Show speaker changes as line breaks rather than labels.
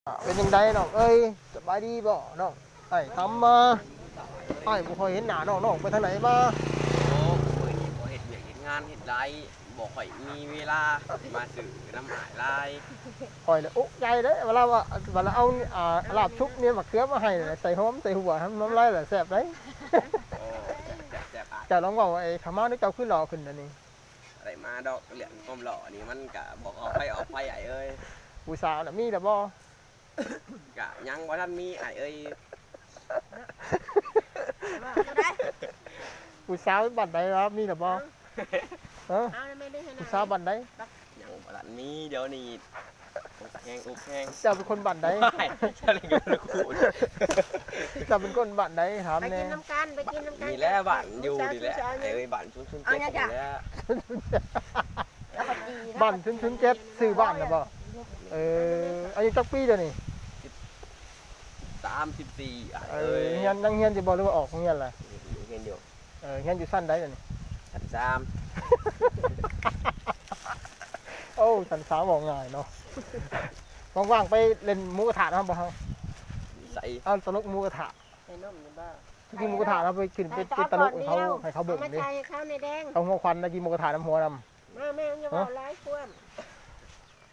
เป็นยังไงน้องเอ้ยสบายดีบ่น้องไอ้ทำมาไอ้บ่ค่อยเห็นหน้าน้องไปทางไหนมา
โอ้มือนี้บ่เฮ็ดเวียกเฮ็ดงานเฮ็ดไรบ่ค่อยมีเวลามาซื้อน้ำหายลาย
ค่อยเลยอุ๊ใจเด้เวลาเอาลาบชุบเนี่ยมะเขือมาให้ใส่หอมใส่หัวทำน้ำลายแหละแซ่บเด้
โอ้แซ่บ
จะลองบอกว่าไอ้ขามานี่เจ้าขึ้นหล่อขึ้นอันนี้
อะไรมาดอกเหรียญก้มหล่อนี่มันกะบอกออกไปไอ้เอ้ย
ผู้สาวน่ะมีแต่บ่
กะยังบ่ทันมีไอ้เอ้ย
ผู้สาวบัดใดครับมีแต่บ่เออผู้สาวบัดใด
ยังบ่ทันมีเดี๋ยวนี้แห้งอุบแห้ง
เจ้าเป็นคนบัดใด
เจ้าเล่นกันละคู่
เจ้าเป็นคนบัดใดถาม
ไป
แน่
กินน้ำกันไปกินน้ำกัน
มีแล้วบ้านอยู่ดีแหละไอ้เอ้ยบ้านชุนเจ็บอยู่แล้ว
บ้านชุนเจ็ดซื้อบ้านน่ะบ่อายุจักปีเดี๋ยวนี้
34ไอ้
เอ
เอ้
อย เฮียนยังเฮียนสิบ่หรือว่าออกเฮียนล่ะ
เห็นอยู่
เฮียนอยู่สั้นใดเดี๋ยวนี้
ชั้น
โอ้สันสาวบอกง่ายเนาะว่างๆไปเล่นหมูกระทะนะครับบ่เฮา
3ใส่
เอาตลกหมูกระทะ
ใส่นมนี่บ้า
กินหมูกระทะเราไปกินเป็นตลกให้เขาเบิ่ง
มา
ดิ
ใจเขาในแดง
เอาหัวควันนะกินหมูกระทะน้ำหัวนำ
มาแม่อย่าบอกร้ายควม